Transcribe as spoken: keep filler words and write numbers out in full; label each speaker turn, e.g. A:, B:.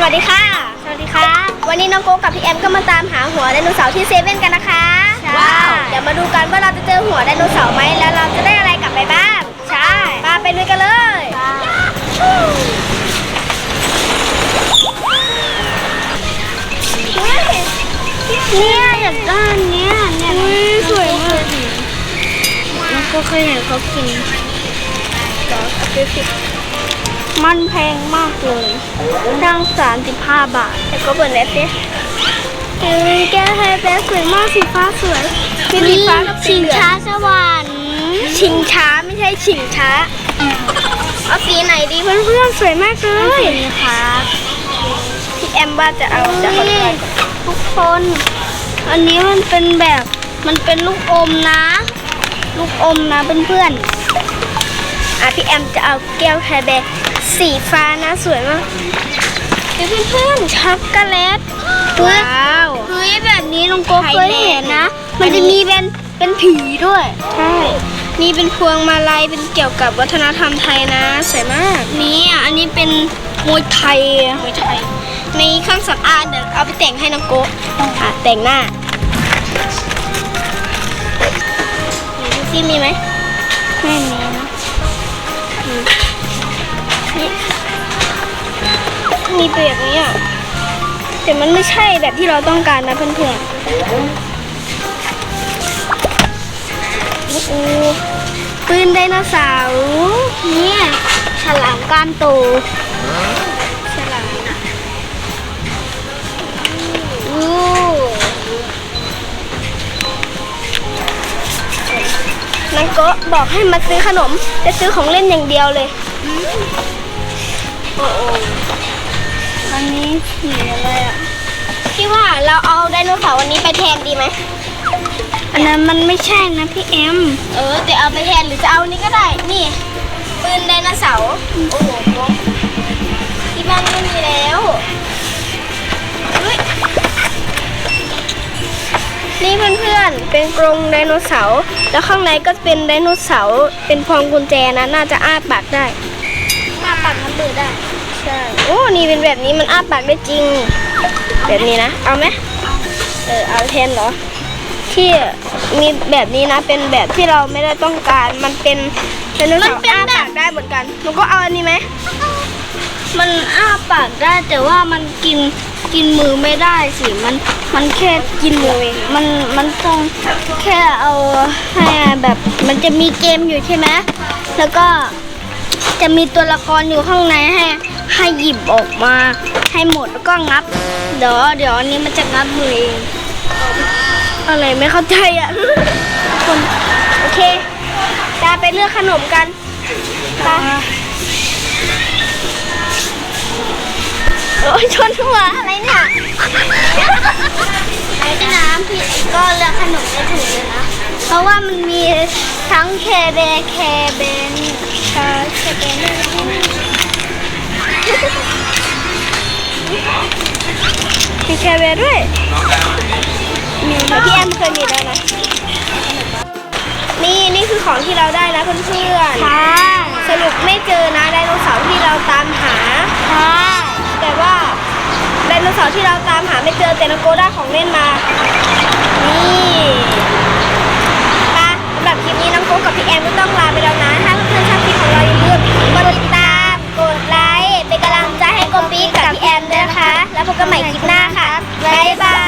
A: วัสดีค่ะสวัสดีค่ะวันนี้น้องโก้กับพี่แอมก็มาตามหาหัวไดโนเสาร์ที่เซเว่นกันนะคะว้าวเดี๋ยวมาดูกันว่าเราจะเจอหัวไดโนเสาร์ไหมแล้วเราจะได้อะไรกลับไปบ้างใช่มาไปลุยกันเลยเนี่ยอยากได้เนี้ยเนี่ยสวยมากน้องโก้เคยเห็นเขากินมันแพงมากเลยตั้งสามสิบห้าบาทแต่ก็เปิดเน็ตดิเฮ้ยแก้วไฮแบสสวยมากสีฟ้าสวยสีฟ้ากับชิงช้าสวรรค์ชิงช้าไม่ใช่ชิงช้าเอาสีไหนดีเพื่อนๆสวยมากเลยนี่ครับพี่แอมว่าจะเอาจะขอดูทุกคนอันนี้มันเป็นแบบมันเป็นลูกอมนะลูกอมนะเพื่อนๆอ่ะพี่แอมจะเอาแก้วไฮแบสสีฟ้านะสวยมากเพื่อนๆช็อกโกแลตว้าวเฮ้ยแบบนี้น้องโก้เคยเห็นนะมันจะมีเป็นเป็นผีด้วยใช่นี่เป็นพวงมาลัยเป็นเกี่ยวกับวัฒนธรรมไทยนะสวยมากนี่อ่ะอันนี้เป็นมวยไทยมวยไทยในเครื่องสำอางเดี๋ยวเอาไปแต่งให้น้องโก้อ่ะแต่งหน้าดูซิมีไหมไม่มีนะมีแบบนี้อ่ะแต่มันไม่ใช่แบบที่เราต้องการนะเพื่อนๆโอ้โหปืนไดโนเสาร์เนี่ยฉลามก้านโตฉลามโอ้นังโกะบอกให้มาซื้อขนมจะซื้อของเล่นอย่างเดียวเลยโอ้โหอันนี้สีอะไรอ่ะพี่ว่าเราเอาไดโนเสาร์วันนี้ไปแทนดีไหมอันนั้นมันไม่ใช่นะพี่แอมเออแต่เอาไปแทนหรือจะเอานี้ก็ได้นี่ปืนไดโนเสาร์โอ้โหที่บ้านไม่มีแล้วนี่เพื่อนๆเป็นกรงไดโนเสาร์แล้วข้างในก็เป็นไดโนเสาร์เป็นพวงกุญแจนะน่าจะอ้าปากได้อ้าปากมันเปิดได้ใช่โอ้นี่เป็นแบบนี้มันอ้าปากได้จริงแบบนี้นะเอาไหมเออเอาแทนเหรอที่มีแบบนี้นะเป็นแบบที่เราไม่ได้ต้องการมันเป็นเป็นไดโนเสาร์อ้าปากได้เหมือนกันหนูก็เอาอันนี้ไหมมันอ้าปากได้แต่ว่ามันกินกินมือไม่ได้สิมันมันแค่กินมือเองมันมันต้องแค่เอาให้แบบมันจะมีเกมอยู่ใช่ไหมแล้วก็จะมีตัวละครอยู่ข้างในให้ให้หยิบออกมาให้หมดแล้วก็งับเดี๋ยวเดี๋ยวอันนี้มันจะงับมือเองอะไรไม่เข้าใจอ่ะคนโอเคจะไปเลือกขนมกันไปโอ้ยชนหัวอะไรเนี่ยไอ้ที่น้ำพี่ก็เลือกขนมได้ถูกเลยนะเพราะว่ามันมีทั้งเคเบเคเบนชาเคเบนมีเคเบด้วยมีพี่แอมเคยมีแล้วนะนี่นี่คือของที่เราได้นะเพื่อนๆค่ะสรุปไม่เจอนะไดโนเสาร์ที่เราตามหาค่ะแต่ว่าไดโนเสาร์ที่เราตามหาไม่เจอแต่น้องโกได้ของเล่นมานี่ป่ะสำหรับคลิปนี้น้องโกกับพี่แอมก็ต้องลาไปแล้วนะถ้าเพื่อนๆชอบคลิปของเราอย่าลืมกดติดตามกดไลค์เป็นกำลังใจให้โกปีกับพี่แอมด้วยนะคะแล้วพบกันใหม่คลิปหน้าค่ะบ๊ายบาย